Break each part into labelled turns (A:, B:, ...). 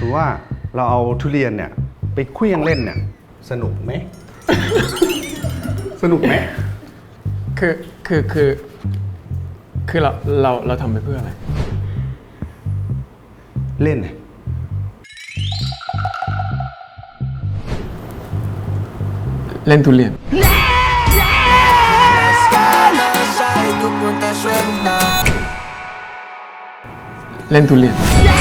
A: มติว่าเราเอาทุเรียนเนี่ยไปเคลี้ยงเล่นเนี่ยสนุกไหม สนุกไหม
B: คือเราทำไปเพื่ออะไร
A: เล่น
B: เล่นทุเรียนเล่นทุเรียน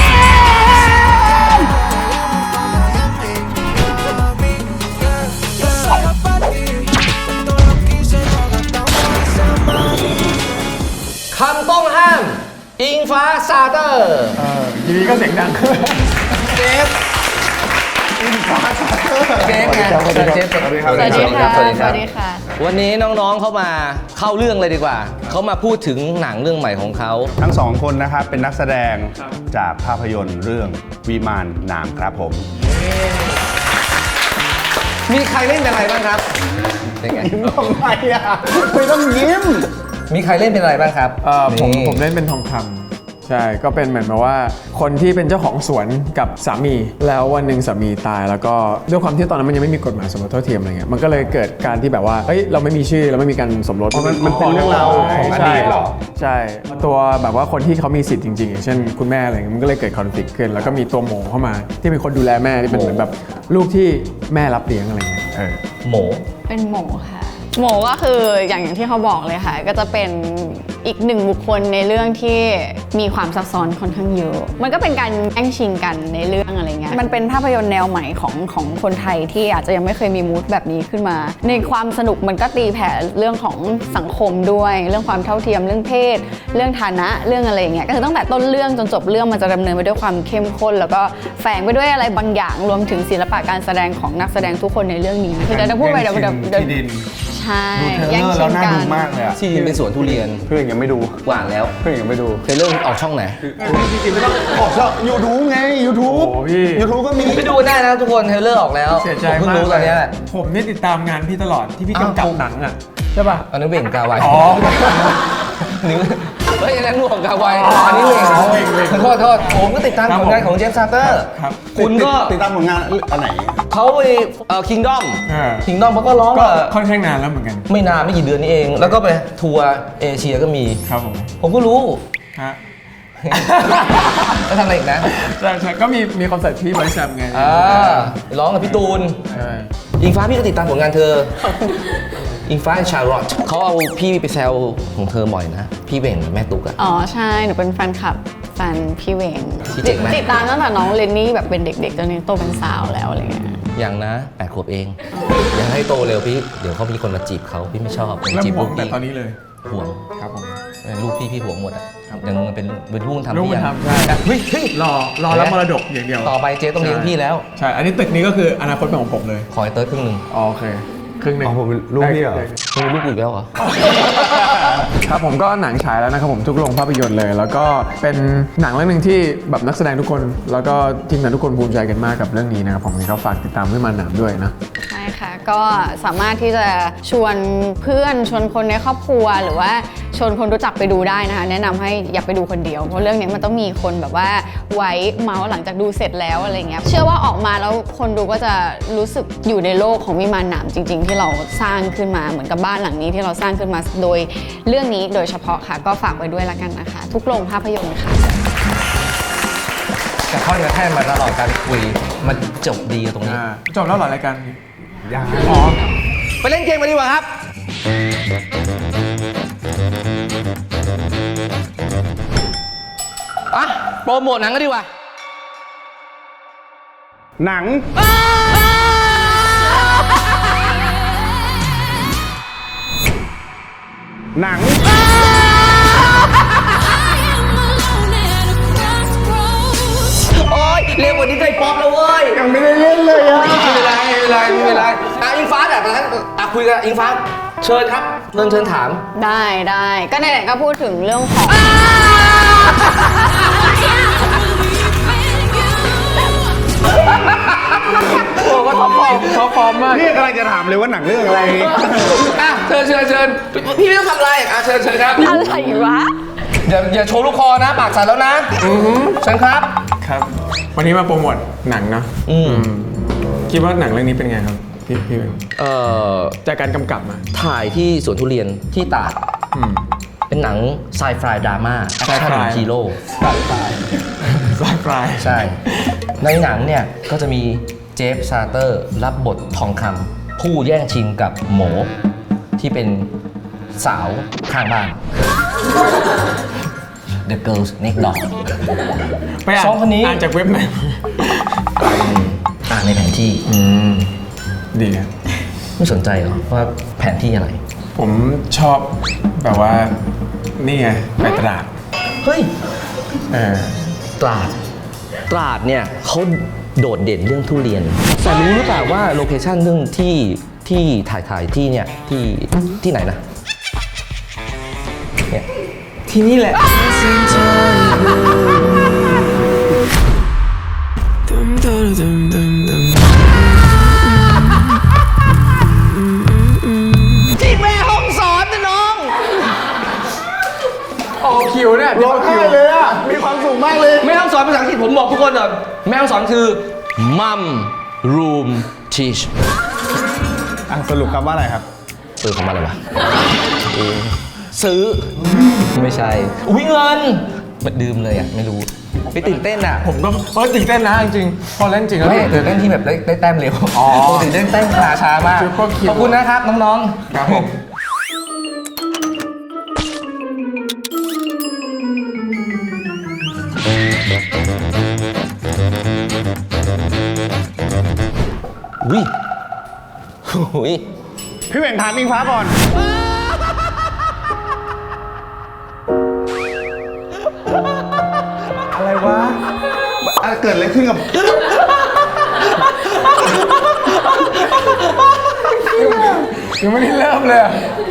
C: คำต้องห้ามอิงฟ้าซาเตอร์
B: ทีนี้ก็เสียงดัง
C: เจฟอิงฟ้าซาเตอร์เจฟไงเจฟสวัสดีครับ
D: สวัสดีค่ะสวัสดีค่ะ
C: วันนี้น้องๆเข้ามาเข้าเรื่องเลยดีกว่าเขามาพูดถึงหนังเรื่องใหม่ของเขา
A: ทั้งสองคนนะครับเป็นนักแสดงจากภาพยนตร์เรื่องวิมานหนามครับผม
C: มีใครเล่นเป็นอะไรบ้างครับเป็นไง
A: ยิ้มทำไมอ่ะไม่ต้องยิ้ม
C: มีใครเล่นเป็นอะไรบ้างครับ
B: ผมเล่นเป็นทองคำใช่ก็เป็นเหมือนแบบว่าคนที่เป็นเจ้าของสวนกับสามีแล้ววันหนึ่งสามีตายแล้วก็ด้วยความที่ตอนนั้นมันยังไม่มีกฎหมายสมรสเท่าเทียมอะไรเงี้ยมันก็เลยเกิดการที่แบบว่าเฮ้ยเราไม่มีชื่อเราไม่มีการสมรส
A: มันเป็นเรื่องราวของอดีตหรอ
B: ใช่ตัวแบบว่าคนที่เขามีสิทธิ์จริงๆอย่างเช่นคุณแม่อะไรเงี้ยมันก็เลยเกิดคอนฟลิกต์ขึ้นแล้วก็มีตัวหมูเข้ามาที่เป็นคนดูแลแม่ที่เป็นเหมือนแบบลูกที่แม่รับเลี้ยงอะไรเงี้ย
C: หมู
D: เป็นหมูค่ะหมูก็คืออย่างที่เขาบอกเลยค่ะก็จะเป็นอีกหนึ่งบุคคลในเรื่องที่มีความซับซ้อนค่อนข้างเยอะมันก็เป็นการแย่งชิงกันในเรื่องอะไรเงี้ยมันเป็นภาพยนตร์แนวใหม่ของคนไทยที่อาจจะยังไม่เคยมีมูดแบบนี้ขึ้นมาในความสนุกมันก็ตีแผ่เรื่องของสังคมด้วยเรื่องความเท่าเทียมเรื่องเพศเรื่องฐานะเรื่องอะไรเงี้ยก็คือตั้งแต่ต้นเรื่องจนจบเรื่องมันจะดำเนินไปด้วยความเข้มข้นแล้วก็แฝงไปด้วยอะไรบางอย่างรวมถึงศิลปะการแสดงของนักแสดงทุกคนในเรื่องนี้คือจะพูดไปเดี๋ยวใช่
A: ดูเทรลเลอร์แล้วน่าดูมากเลยอ่ะ
C: ที่เป็นสวนทุเรียน
A: เพื่อนยังไม่ดู
C: หวานแล้ว
A: เพื่อนยังไม่ดู
C: เทรลเลอร์ออกช่องไหน
A: จริงๆไม่ต้องออกช่องยูทูบไงยูทูบก็มี
C: ไปดูได้นะทุกคนเทรลเลอร์ออกแล้ว
B: เสียใจ
C: มากรู้ตอนนี้
B: ผมนี่ติดตามงานพี่ตลอดที่พี่กำกับหนังอ่ะใช่ป่ะ
C: อันนี้เบ่งกาไวนิ้วเฮ้ยอันนั้นหนวกกาไวอันนี้เบ่งโทษผมก็ติดตามผลงานของเจฟซาเตอร์คุณก็
A: ติดตามผลงานอันไหน
C: เขาไปคิงดอมเขาก็ร้อง
B: ค่อนข้างนานแล้วเหมือนกัน
C: ไม่นานไม่กี่เดือนนี้เองแล้วก็ไปทัวร์เอเชียก็มี
B: ครับ
C: ผมก็รู้
B: ฮะ
C: แล้วทำอะไรอีกนะ
B: ใช่ก็มีคอนเสิร์ตพี่ไบแซมไง
C: ร้องกับพี่ตูนอิงฟ้าพี่ก็ติดตามผลงานเธออิงฟ้าชาร์ลอตเขาเอาพี่ไปแซวของเธอบ่อยนะพี่เบ่งกับแม่ตุ๊กอะ
D: อ๋อใช่หนูเป็นแฟนคลับแฟนพี่เวงติดตามตั้งแต่น้องเลนนี่แบบเป็นเด็กๆจนนี้โตเป็นสาวแล้วอะไรเงี้ย
C: อย่างนะ8 ขวบเองอย่าให้โตเร็วพี่เดี๋ยวเขามีคนมาจีบเขาพี่ไม่ชอบ
B: จีบลูกแต่ตอนนี้เลย
C: ห่วง
B: ครับผม
C: ลูกพี่ห่วงหมดอะยังเป็นลูกทำ
B: พี่ยังใช่เฮ้ยรอรับมรดกอย่างเดียว
C: ต่อไปเจ๊ต้องเลี้ยงพี่แล้ว
B: ใช่อันนี้ตึกนี้ก็คืออนาคตเป็นของผมเลย
C: ขอให้เติร์ดครึ่งนึง
B: โอเคครึ่งนึง
A: ผมเป็นลูกพี่เหรอ
C: เป็นลูกอีกแล้วเหรอ
B: ครับผมก็หนังฉายแล้วนะครับผมทุกโรงภาพยนตร์เลยแล้วก็เป็นหนังเรื่องนึงที่แบบนักแสดงทุกคนแล้วก็ทีมงานทุกคนภูมิใจกันมากกับเรื่องนี้นะครับผมก็ฝากติดตามวิมานหนามด้วยนะ
D: ใช่ค่ะก็สามารถที่จะชวนเพื่อนชวนคนในครอบครัวหรือว่าชวนคนรู้จักไปดูได้นะคะแนะนำให้อย่าไปดูคนเดียวเพราะเรื่องนี้มันต้องมีคนแบบว่าไว้เมาส์หลังจากดูเสร็จแล้วอะไรเงี้ยเชื่อว่าออกมาแล้วคนดูก็จะรู้สึกอยู่ในโลกของวิมานหนามจริงๆที่เราสร้างขึ้นมาเหมือนกับบ้านหลังนี้ที่เราสร้างขึ้นมาโดยเรื่องนี้โดยเฉพาะค่ะก็ฝากไว้ด้วยละกันนะคะทุกโรงภาพยนตร์ค่ะ
C: แต่ค่อนข้างมาตลอดการคุยมันจบดีตรงนี้
B: จบแล้วหรอรายการ
A: ยัง
C: ไปเล่นเกมมาดีกว่าครับโปรโมทหนังก็ดีกว่า
A: หนัง
C: โอ๊ยเร็วกว่านี้ใจป๊อปแล้วเว้ย
A: ยังไม่ได้เล่นเลยอะ
C: ไม่เป็นไรอิงฟ้าแบบนั้นคุยกันอิงฟ้าเชิญครับเชิญถาม
D: ได้ก็ไหนๆก็พูดถึงเรื่องของ
C: โอ้ก็ท็อปฟอร์มมาก
A: นี่กำลังจะถามเลยว่าหนังเรื่องอะไร
C: เชิญพี่ไม่ต้องทำอะไรเชิญครับ
D: อะไรวะ
C: อย่าโชว์ลูกคอนะปากสั่นแล้วนะเชิญครับ
B: วันนี้มาโปรโมทหนังเนาะ
C: อืม
B: คิดว่าหนังเรื่องนี้เป็นไงครับพี่เป็น
C: เอ่อ
B: จากการกำกับมา
C: ถ่ายที่สวนทุเรียนที่ตราด
B: อืม
C: เป็นหนังไซไฟดราม่าแอคชั่น
B: Sci-fi
C: ฮีโร่
B: สายปลายสายปลาย
C: ใช่ ในหนังเนี่ย ก็จะมีเจฟซาเตอร์รับบททองคำผู้แย่งชิงกับหมอที่เป็นสาวข้างบ้าน The Girls Next Door
B: ไปอ่าน
C: สองคนนี้
B: อ่านจากเว็บไหน
C: อ่านในแผนที่
B: ดีครับ
C: ไม่สนใจเหรอว่าแผนที่อะไร
B: ผมชอบแบบว่า นี่ไง ไปตราด
C: เฮ้ย
B: เออ
C: ตราด ตราดเนี่ยเขาโดดเด่นเรื่องทุเรียน แต่รู้หรือเปล่าว่าโลเคชั่นเรื่องที่ถ่ายที่เนี่ยที่ไหนนะเนี่ย
B: ที่นี่แหละ
C: ที่แม่ห้องสอนนะน้อง
B: ออกคิวเนี่ย
A: ร้องไห้เลยอ่ะ มีความสุขมากเลย
C: แม่ห้องสอนภาษาอังกฤษผมบอกทุกคนเลยแม่ห้องสอนคือ mum room teach
A: สรุปคำว่าอะไรครับ
C: คำว่าอะไรวะซื้อ ไม่ใช่ อุ้ยเงินมันดื่มเลยอ่ะ ไม่รู้ไปตื่นเต้นอ่ะ
B: ผมก็ตื่นเต้นนะจริงๆพอเล่นจริงแล้ว
C: ไม่ตื่นเต้นที่แบบได้แต้มเร็ว
B: อ๋อ
C: ปกติได้แต้มช้ามาก
B: Super Q
C: ขอบคุณนะครับ น้องๆ
B: ครับผม
C: อุ้ยอุ้ย
A: พี่เหว่งถามอิงฟ้าก่อน อะไรวะเกิดอะไรขึ้นกับ
B: ยังไม่ได้เริ่มเลยอะ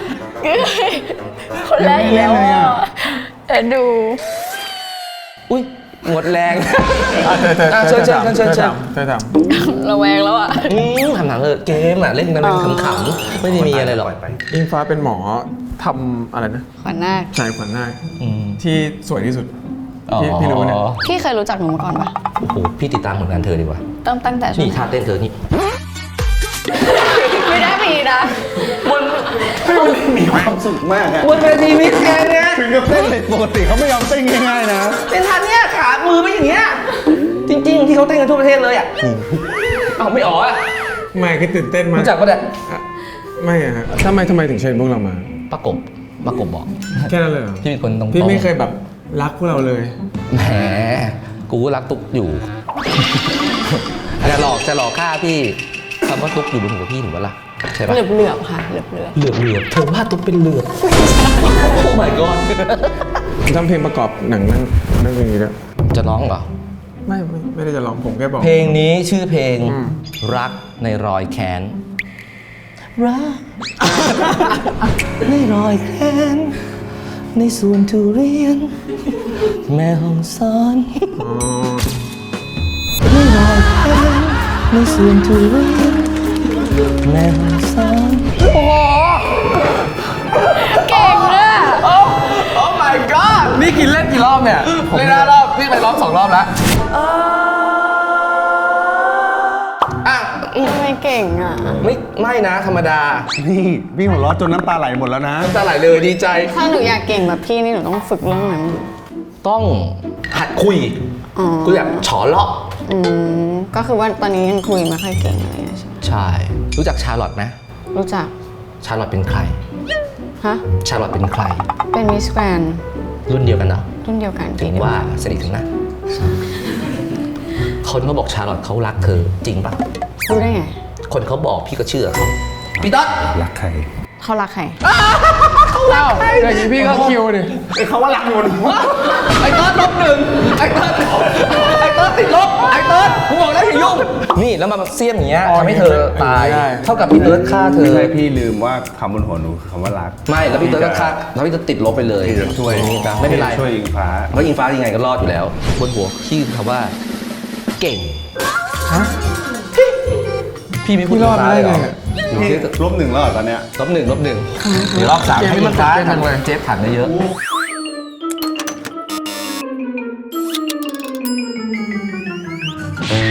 D: คนแรกอีกแล้ว
A: ยังไม่เล่นเลยอะ
D: แต่ดู
C: อุ้ยหมดแรง
B: เชิญ
C: เชิญ
D: ระแวงแล้วอ่ะ
C: ทำหนังเกมอ่ะ เล่นกันเป็นขำๆไม่ได้มีอะไรหรอก
B: อิงฟ้าเป็นหมอทำอะไรนะ
D: ขวัญนาค
B: ชายขวัญนาค
C: อืม
B: ที่สวยที่สุด
C: อ๋อ
B: พี่รู้เนี่ย
D: พี่เคยรู้จักหนูมาก่อนปะ
C: โอ้โห พี่ติดตามผลงานเธอดีกว่า
D: ตั้งแต่ช่ว
C: นี่
D: ง
C: ท่าเต้นเธอนี่
D: ไม่ได้มีนะ
A: มีความสุขมากอะ
C: บนเวทีมิสแกรนด์เนี่ย
A: ถึงกับเต้นเลยปกติเขาไม่ยอมเต้นง่ายๆนะ
C: เป็นท่าเนี้ยขามือไม่อย่างเงี้ย จริง ๆ ที่เขาเต้นกันทั่วประเทศเลยอ่ะอ้าวไม่อ๋ออ่ะ
B: ไม่คือตื่นเต้นมาก
C: รู้จักปะเนี่ย
B: ไม่อะครับทำไมถึงเชิญพวกเรามา
C: ประกบบอก
B: แค่นั้นเลยเหรอ
C: พี่เป็นคนตรงๆ
B: พี่ไม่เคยแบบรักพวกเราเลย
C: แหม กูรักตุ๊กอยู่ จะหลอกฆ่าพี่คำว่าตุ๊กอยู่บนหัวพี่ถูกปะล่ะใช่ปะ
D: เหลือบๆค่ะเหลือบ
C: เหลือบเธอว่าตุ๊กเป็นเหลือบ โอ้ my god
B: ทำเพลงประกอบหนังนั่นเพลงนี้ด้วย
C: จะร้องเหรอ
B: ไม่ได้จะร้องผมแค่บอก
C: เพลงนี้ชื่อเพลง
B: อืม
C: รักในรอยแค้น รัก ในรอยแค้น ในสวนทุเรียน แม่ห้องสอน
B: อ๋อ
C: ในรอยแค้น ในสวนทุเรียน แม่ห้องสอน
D: เก่งเลยอะ
C: โอ้ my god
B: นี่กินเล่นกี่รอบเนี่ย
C: เล่น5 รอบ พี่ไปรอบ2 รอบแล้วอ่ะ
D: ทำไมเก่งอ่ะ
C: ไม่นะ ธรรมดา
A: นี่พี่หัวเราะจนน้ำตาไหลหมดแล้วนะ
C: น้ำตาไหลเลยดีใจ
D: ถ้าหนูอยากเก่งแบบพี่นี่หนูต้องฝึกเรื่องนั้น
C: ต้องหัดคุย
D: อ๋อ
C: คุยแบบฉอเลาะ
D: ก็คือว่าตอนนี้ยังคุยไม่ค่อยเก่งอะไรอย่างเงี้ยใช่ไหม
C: ใช่ รู้จักชาร์ลอตไหม
D: รู้จัก
C: ชาร์ลอตเป็นใคร
D: ฮะ
C: ชาร์ลอตเป็นใคร
D: เป็นมิสแกรนด์
C: รุ่นเดียวกันเนาะ
D: รุ่นเดียวกัน
C: ถึงว่าสนิทถึงนะ คนเขาบอกชาร์ลอตเขารักเธอจริงปะ
D: รู้ได้ไง
C: คนเขาบอกพี่ก็เชื่อเขาพี่ต๊อด
A: รักใคร
D: เขารักใคร
B: เอ้าอย่างนี้พี่ก็คิวดิ
A: เขาว่ารักหมด
C: ไอ้เติร์ด-1ไอ้เติร์ดติดลบไอ้เติร์ดกูบอกแล้วอย่ายุ่งนี่แล้วมาเสี้ยมอย่างเงี้ย
B: อ๋อ
C: ทำให้เธอตาย
B: ได้
C: เท่ากับพี่เติร์ดฆ่าเธ
A: ไม่
C: อ
A: ใช่พี่ลืมว่าคำบนหัวหนูคือคำว่ารัก
C: ไม่แล้วพี่เติร์ดก็ฆ่าแล้วพี่เติร์ดติดลบไปเลย
A: พี่จะช่วย
C: ไม่เป็นไร
A: ช่วยอิงฟ้า
C: เพราะอิงฟ้ายังไงก็รอดอยู่แล้ว บนหัวชื่อคำว่า เก่ง
B: ฮะ
C: พี่ไม่พูด
B: พี่รอด
C: ฟ้าเลยเหรอ
B: ได้ไง
A: พี่ลบ 1แล้วเหรอตอนเนี้ย
C: ลบหนึ่งเดี๋ยวรอบ3ให้อิงฟ้า
B: เกมนี้มันตื่นเต้นจังเลย
C: เจฟถังเยอะ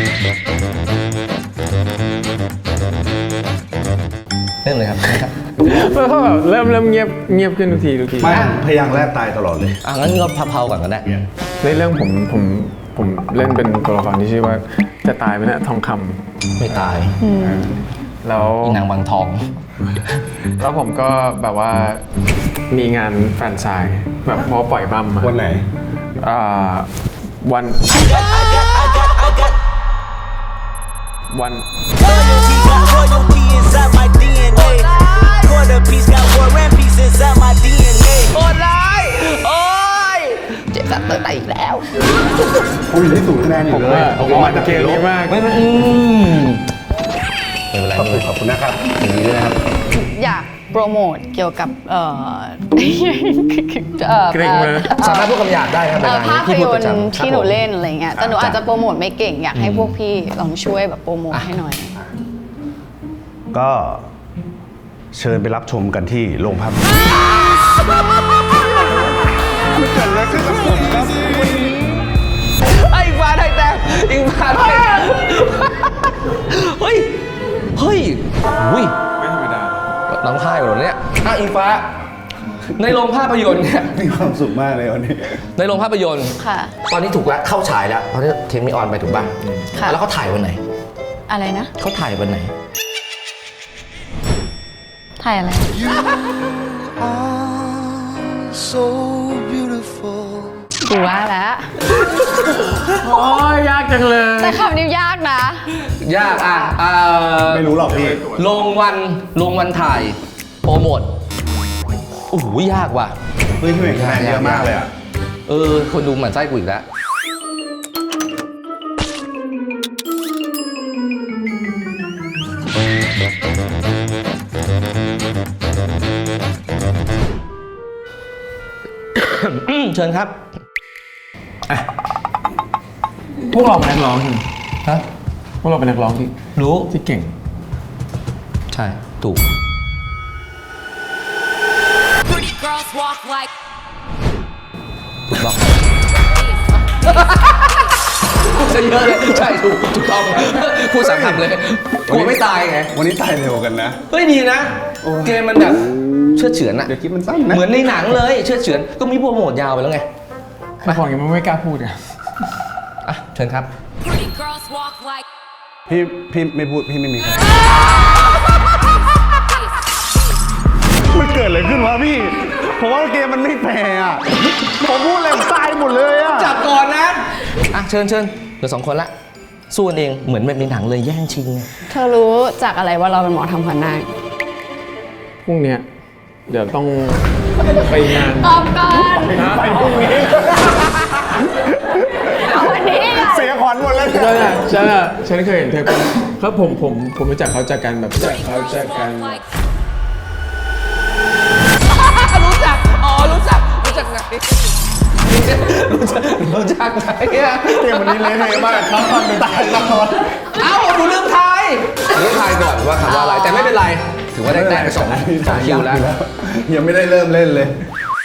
C: เริ่มเลยครับนะครับ
B: แล้วก็แบบเริ่มเงียบขึ้นทุกที
A: ไม่พยางค์แรกตายตลอดเลย
C: งั้นก็เผาๆก่อนก็ได้
B: ในเรื่องผมเล่นเป็นตัวละครที่ชื่อว่าจะตายไหมเนี่ยทองคำ
C: ไม่ตาย
B: แล้ว
C: อีนางบางทอง
B: แล้วผมก็แบบว่ามีงานแฟนไซน์แบบพอปล่อยบัมมา
A: วันไหน
B: วัน
E: Loyalty got royalty inside my DNA. Quarter piece got war and peace inside my DNA.
C: โอ้ยโอ้ยเจ็บสัตว์เตะอีกแล้ว
A: ผมอยู่ที่ศูนย์คะแนนอยู่เลย
B: ผมมาจากเกมนี้มาก
C: ไม่เป็นไร
A: ขอบคุณนะครับอย่างนี้ด้วยนะครับ
D: อยากโปรโมทเกี่ยวกับ
B: เกรงเลย
C: สามารถพูดคำหยาบได้ครับ
D: ภาพ
C: พี่
D: ย
C: พูด
D: น
C: ประ
D: ตร์
C: จำ
D: ที่หนูเล่นอะไรเงี้ยแต่หนูอาจจะโปรโมทไม่เก่งอยากให้พวกพี่ลองช่วยแบบโปรโมทให้หน่อย
A: ก็เชิญไปรับชมกันที่โรงภาพยนตร์
C: ไอ้ฟ้าได้แต้มอิงฟ้าได้แต้มเฮ้ยอุ้ย
B: ไม่ธรรมดา
C: น้องค่ายเหรอเนี่ยอิงฟ้า ในโรงภาพยนตร์เนี่ย
A: มีความสุขมากเลยวันนี้
C: ในโรงภาพยนตร์
D: ค่ะ
C: ตอนนี้ถูกแล้วเข้าฉายแล้วตอนนี้เทมมีออนไปถูกป่ะ
D: ค่ะ
C: แล้วเขาถ่ายวันไหน
D: อะไรนะ
C: เขาถ่ายวันไหน
D: ถ่ายอะไร
E: So beautiful.
D: ดูว่าแล้ว
B: โอ้ยยากจังเลย
D: แต่คำนี้ยากนะ
C: ยาก
A: ไม่รู้หรอกพี่
C: ลงวันถ่ายโปรโมทโอ้โหยากว่ะ
A: เฮ้ยพี่เมย์คะแนนเยอะมากเลยอ่ะ
C: คนดูหมั่นไส้กูอีกแล้ว เชิญครับ
B: พวกเราเป็นนักร้องใช่ไหม
C: ฮะ
B: พวกเราเป็นนักร้องที่
C: รู้
B: ที่เก่ง
C: ใช่ ถูก
F: Pretty girls walk like
C: ถูกต้องจะเยอะเลยใช่ถูกต้องพูดสามคำเลยกลัวไม่ตายไง
A: วันนี้ตายเร็วกันนะ
C: เฮ้ยดีนะ เกมมันแบบเชื่อดเฉือนอะ
A: เดี๋ยวคลิปมันสั้นนะ
C: เหมือนในหนังเลยเชื่อดเฉือนก็มีโปรโมทยาวไปแล้วไง
B: คือของอย่างนี้มันไม่กล้าพูดอะ
C: อ่ะเชิญครับ
F: pretty girls walk like
A: พี่ไม่พูดพี่ไม่มีคะแนนมันเกิดอะไรขึ้นวะพี่ผมว่าเกมมันไม่แฟร์อ่ะผมพูดอะไรตายหมดเลยอ่ะ
C: จับก่อนนะอ่ะเชิญเหลือ2 คนละสู้กันเองเหมือนแบบในหนังเลยแย่งชิง
D: เธอรู้จากอะไรว่าเราเป็นหมอทำขวัญนาค
B: พรุ่งเนี้ยเดี๋ยวต้องไปงาน
D: ตอบก่อน
B: ไปพรุ่งนี้
D: เอาวันนี้อะ
A: เสียขวัญหมดเลย
B: ฉันเคยเห็นเธอเป็นครับผมรู้จักเขาจากกันแบบเขาจากกัน
F: like
C: รู้จักไงรู้จักไงอะ
A: เกมวันนี้เละเทะมากเขาทำเป็นตายตลอด
C: เอ้าหนูลืมทายก่อนว่าคำว่าอะไรแต่ไม่เป็นไรถือว่าได้แต้มไปสองคิวแล้ว
A: ยังไม่ได้เริ่มเล่นเลย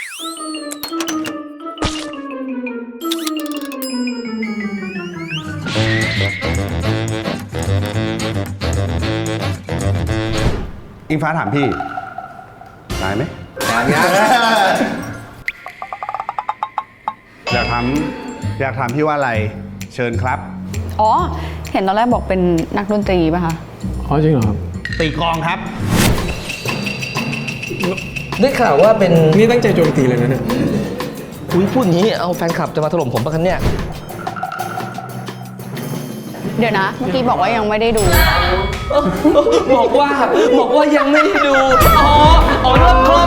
A: อิงฟ้าถามพี่ตายไหม
C: อย่างเงี้ย
A: อยากถามพี่ว่าอะไรเชิญครับ
D: อ๋อ เห็นตอนแรกบอกเป็นนักดนตรีป่ะคะ
B: อ๋อจริงเหรอครับ
A: ตีกลองครับ
C: ได้ข่าวว่าเป็น
B: นี่ตั้งใจโจมตีเลยนะเนี่ย
C: อุ้ยพูดอย่างนี้เอาแฟนคลับจะมาถล่มผมปะคะเนี่ย
D: เดี๋ยวนะ เมื่อกี้บอกว่ายังไม่ได้ดู
C: บอกว่ายังไม่ได้ดูอ๋อเริ่มคล่อม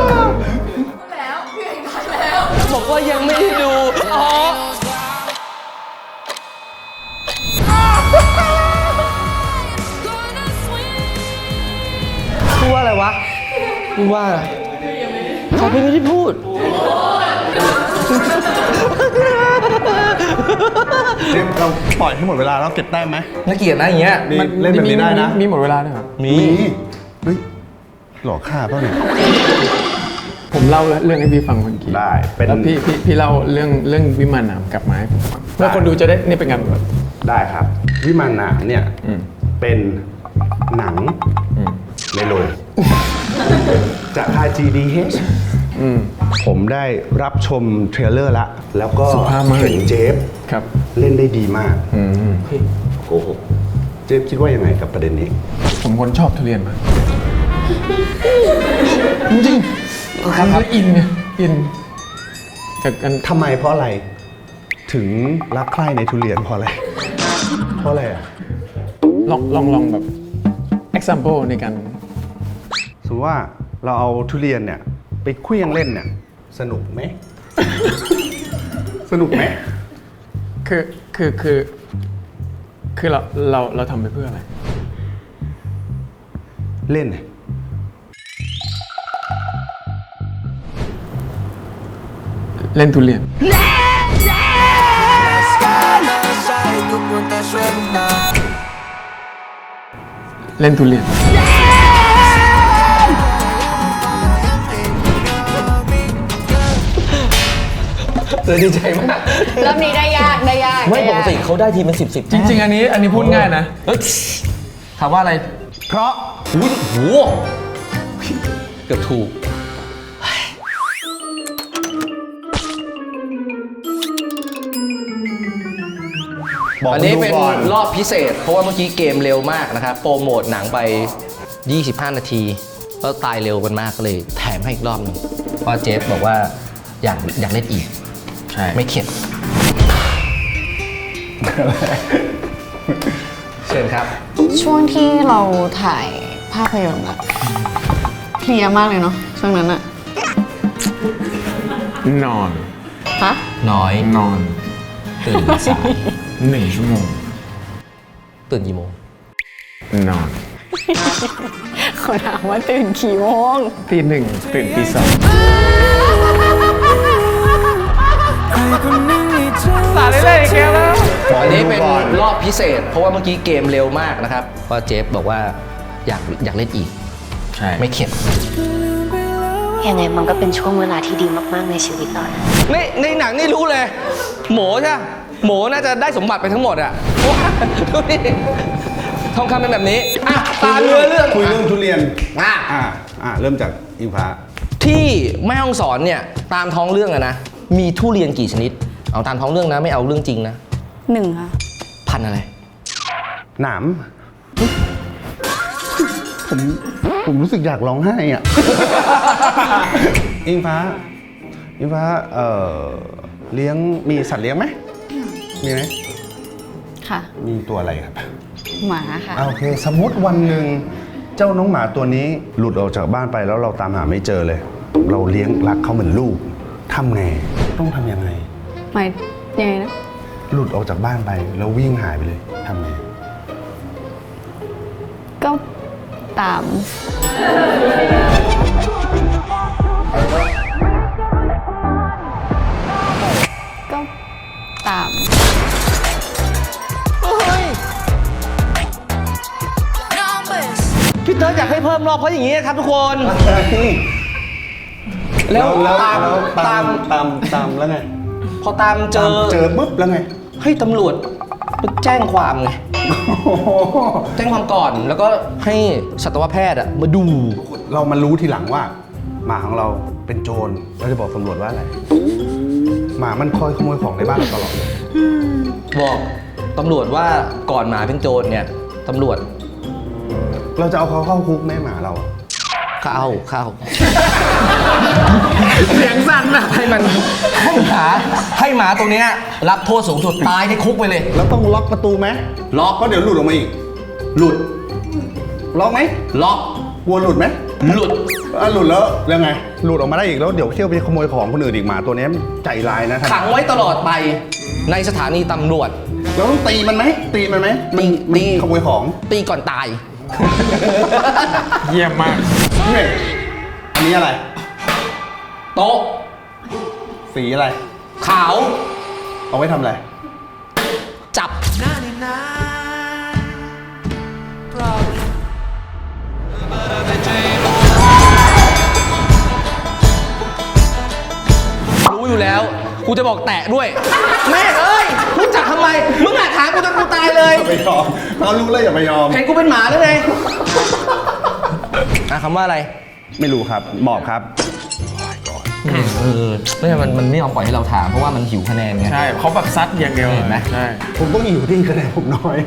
C: บอกว่ายังไม่ได้ดูพูดว่าอะไรวะพูดว่าเขาไม่ได้พูด
A: เนี่ยเราปล่อยให้หมดเวลาแล้วเก็บแต้มไหม
C: น่าเกลียดนะอย่างเงี้ย
A: นี่เล่นแบบนี้ได้นะ
B: มีหมดเวลาด้วยครับ
C: มี
A: เฮ้ยหลอกฆ่าเปล่าเนี่ย
B: ผมเล่าเรื่องให้พี่ฟังเมื่อกี้
A: ได้เป็น
B: แล้วพี่เล่าเรื่องวิมานหนามกลับมาให้ผมฟังเพื่อคนดูจะได้นี่เป็นการแบบ
A: ได้ครับ วิมานหนามเนี่ยเป็นหนังในโรงจากค่าย GDH ผมได้รับชมเทรลเลอร์ละแล้วก็
B: สุภาพมาก
A: เห็นเจฟ
B: ครับ
A: เล่นได้ดีมากโกหกเจฟคิดว่ายังไงกับประเด็นนี้
B: ผมคนชอบทุเรียนมากจริงๆคืออินไงอินจากกัน
A: ทำไมเพราะอะไร ถึงรักใคร่ในทุเรียนเพราะอะไร เพราะอะไรอ่ะ
B: ลองแบบ example ในการ
A: สมมติว่าเราเอาทุเรียนเนี่ยไปเคลี้ยงเล่นเนี่ยสนุกไหม สนุกไหม
B: คือเราทำไปเพื่ออะไร
A: เล่น
B: เล่นทุเรียน เล่นทุเรียน
C: เธอดีใจมาก
D: รอบนี้ได้ยาก
C: ไม่ปกติเขาได้ทีเป็น10
B: จริง ๆ อันนี้พูดง่ายนะ
C: เฮ้ยถามว่าอะไร
A: เพราะ
C: อุ้ยโหเกือบถูก
A: บอก
C: อันนี้เป็น
A: ดูก่อน
C: รอบพิเศษ เพราะว่าเมื่อกี้เกมเร็วมากนะครับ โปรโมทหนังไป 25 นาทีแล้วตายเร็วกันมากก็เลยแถมให้อีกรอบหนึงเพราะเจฟบอกว่าอยากเล่นอีก
B: ใช่
C: ไม่เข็ด เชิญครับ
D: ช่วงที่เราถ่ายภาพยนตร์อะเพลียมากเลยเนาะช่วงนั้นอะ
B: นอน
D: ฮะ
C: น้อย
B: นอน
C: ตื่นสาย
B: 1 ชั่วโมง
C: ตื่นกี่โมง
B: นอน
D: เขาถามว่าตื่นกี่โมง
B: ตี 1ตื่นตี 2 สาเลยแกแล้ว
C: อันนี้เป็นรอบพิเศษ เพราะว่าเมื่อกี้เกมเร็วมากนะครับเพราะเจฟบอกว่าอยากเล่นอีก
B: ใช่
C: ไม่เข็ด
G: ยังไงมันก็เป็นช่วงเวลาที่ดีมากๆในชีวิตเรานะ
C: ในหนังนี่รู้เลย หมูใช่ปะหมูน่าจะได้สมบัติไปทั้งหมดอะเพราะว่าดูดิทองคำเป็นแบบนี้อ่ะตามเนื้อเรื่อง
A: คุยเรื่องทุเรียน
C: อ่ะ
A: เริ่มจากอิงฟ้า
C: ที่แม่ฮ่องสอนเนี่ยตามท้องเรื่องอะนะมีทุเรียนกี่ชนิด เอาตามท้องเรื่องนะไม่เอาเรื่องจริงนะ
D: 1 ค่ะ
C: พันธุ์อะไร
A: หนาม ผมรู้สึกอยากร้องไห้อ่ะ อิงฟ้าเลี้ยงมีสัตว์เลี้ยงไหมมีไหม
D: ค่ะ
A: มีตัวอะไรครับ
D: หมาค่ะ
A: โอเค สมมติวันหนึ่งเจ้าน้องหมาตัวนี้หลุดออกจากบ้านไปแล้วเราตามหาไม่เจอเลย เราเลี้ยงรักเขาเหมือนลูกทำไงต้องทำยังไง
D: หมายยังไงนะ
A: หลุดออกจากบ้านไปแล้ววิ่งหายไปเลยทำไง
D: ก็ตาม ก็ตาม
C: พี่เติร์ดอยากให้เพิ่มรอบเพราะอย่างนี้ครับทุกคน แล้วตาม
A: แล้วไง
C: พอตามเจอ
A: ปุ๊บแล้วไง
C: ให้ตำรวจไปแจ้งความไง แจ้งความก่อนแล้วก็ให้สัตวแพทย์อะมาดู
A: เรามารู้ทีหลังว่า หมาของเราเป็นโจรเราจะบอกตำรวจว่าอะไร หมามันคอยขโมยของในบ้านเราตลอดเลย
C: บอกตำรวจว่าก่อนหมาเป็นโจรเนี่ยตำรวจ
A: เราจะเอาเขาเข้าคุกแม่หมาเราอะ
C: เข้า
B: เสียงสั่นอะ
C: ให้หมาตัวเนี้ยรับโทษสูงสุดตายในคุกไปเลย
A: แล้วต้องล็อกประตูไหม
C: ล็อก
A: เพราะเดี๋ยวหลุดออกมาอีก
C: หลุด
A: ล็อกไหม
C: ล็อก
A: กลัวหลุดไหม
C: หลุด
A: หลุดแล้วยังไง หลุดออกมาได้อีกแล้วเดี๋ยวเที่ยวไปขโมยของคนอื่นอีกหมาตัวนี้ใจร้ายนะ
C: ขังไว้ตลอดไปในสถานีตำรวจ
A: เราต้องตีมันไหมมันขโมยของ
C: ตีก่อนตาย
B: เยี่ยมมาก
A: นี่อันนี้อะไร
C: โต๊ะ
A: สีอะไร
C: ขาว
A: เอาไว้ทำอะไร
C: จับกูจะบอกแตะด้วย แม่เอ้ยรู้จักทำไม มึงอะถามกูจนกูตายเลย
A: อย่าไปยอมเรารู้แล้วอย่าไปยอม
C: เห็นกูเป็นหมาหรือไงคำว่าอะไร
A: ไม่รู้ครับหมอบครับ
C: ไม่ใช่มันไม่ยอมปล่อยให้เราถามเพราะว่ามันหิวคะแนนไง
B: ใช่เขาแบบซัดอย่างเดียว
C: เห็นไหม
B: ใช่
A: ผมต้องอยู่ที่คะแนนผมน้อยอะ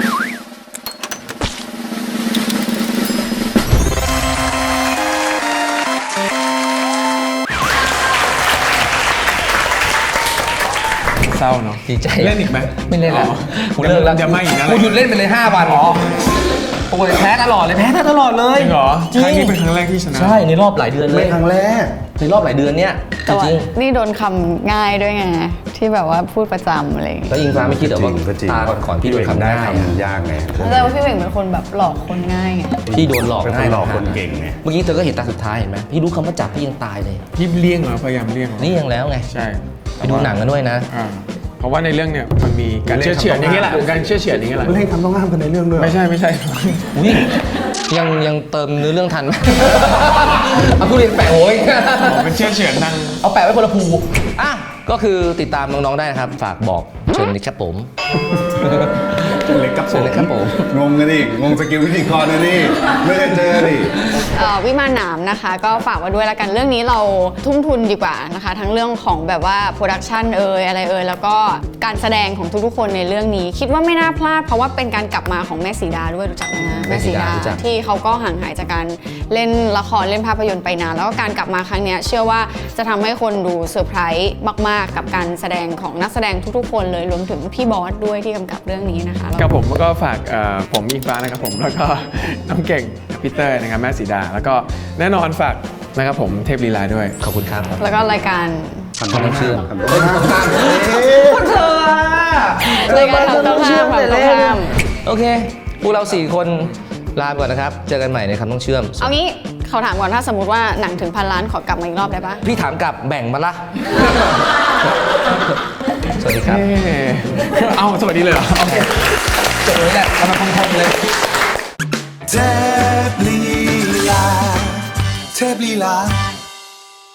B: เศร้าเนาะ
C: ดีใจ
B: เล่นอีกไหม
C: ไม่เล่นแล้ว
B: อ๋อ
C: กูเลิกแล้ว
B: เดี๋ยวไม่อีกนะ
C: กูหยุดเล่นไปเลย5 วันโอ้ยแพ้ตลอดเลยแพ้ตลอดเลย
B: จริงเหรอ
C: จริง
B: ครั้งนี้เป็นครั้งแรกที่ชนะ
C: ใช่ในรอบหลายเดือนเล
A: ไม่
C: ย
A: ครั้งแรก
C: ในรอบหลายเดือนเนี้ยจ
D: แต่ว่า
C: ริง
D: นี่โดนคำง่ายด้วยไง ที่แบบว่าพูดประจำอะไรอย่าง
C: ๆ
D: เงี้ย
C: แล้วอิงฟ้าไม่คิดเหรอว่า
A: ก็จริง
C: ตาก่อนๆพี่โดนคำ
A: ได้
C: ง่าย
A: คำยากไง
D: แต่ว่าพี่เหว่งเป็นคนแบบหลอกคนง่ายไง
C: พี่โดนหลอก
A: เป็นค
C: ง่าย
A: นหลอกคนเก่งไง
C: เมื่อกี้เธอก็เห็นตาสุดท้ายเห็นไหมพี่รู้คำว่าจับพี่ยังตายเลย
B: พี่เลี่ยงเหรอพยายามเลี่ยงเหรอ
C: นี่ยังแล้วไง
B: ใช่
C: ไปดูหนังกันด้วยนะ
B: อ่าเพราะว่าในเรื่องเนี่ยมันมีการ
A: เล่น
B: เชื่อเฉือนอย่างนี้แหละ
A: คำต้องห้าม
B: การเชื่อเฉือนอย่างนี้แหละ
A: เล่นคำต้องห้ามกันในเรื่องด้วย
B: ไม่ใช่ไม่ใช่
C: อุ้ยยังเติมเนื้อเรื่องทันไหม เอาทุเรียนแปะโอ้ย
B: ผมเป็นเชื่อเฉือนทาง
C: เอาแปะไว้คนละภูอ่ะก็คือติดตามน้องๆได้นะครับ ฝากบอกเชิญเลยครับผม
A: เล็กกับ
C: เชิญเลยครับผม
A: งงกันดิงงสกิลพิธีกรนะนี่ไม่เคยเจอดิ
D: วิมานหนามนะคะก็ฝากไว้ด้วยละกันเรื่องนี้เราทุ่มทุนดีกว่านะคะทั้งเรื่องของแบบว่าโปรดักชันอะไรแล้วก็การแสดงของทุกๆคนในเรื่องนี้ คิดว่าไม่น่าพลาดเพราะว่าเป็นการกลับมาของแม่สีดาด้วยรู้จักไหมคะ
C: แม่สีดารู้จัก
D: ที่เขาก็ห่างหายจากการเล่นละครเล่นภาพยนตร์ไปนานแล้วก็การกลับมาครั้งเนี้ยเชื่อว่าจะทำให้คนดูเซอร์ไพรส์มากๆกับการแสดงของนักแสดงทุกๆคนเลยรวมถึงพี่บอสด้วยที่กำกับเรื่องนี้นะคะ
B: ครับผมก็ฝากผมอิงฟ้านะครับผมแล้วก็น้องเก่งพีเตอร์นะครับแม่สีดา แล้วก็แน่นอนฝากนะครับผมเทพลีลาด้วย
C: ขอบคุณครับ
D: แล้วก็รายการ
C: คำต้องเชื่อม
A: คำต้องห้าม
C: คนเธอ
D: รายการคำต้องห้ามคำต้องห้าม
C: โอเคพวกเรา4 คนลาไปก่อนนะครับ เจอกันใหม่ในคำต้องเชื่อม
D: เอางี้เขาถามก่อนถ้าสมมติว่าหนังถึง1,000 ล้านขอกลับมาอีกรอบได้ปะ
C: พี่ถามกลับแบ่งมาละ สวัสดีครับ
B: เอ้าสวัสดีเลยเหรอโอเค
C: จบเลยแหละทำมาคมๆเลย
E: เทพลีลาเทพลีลา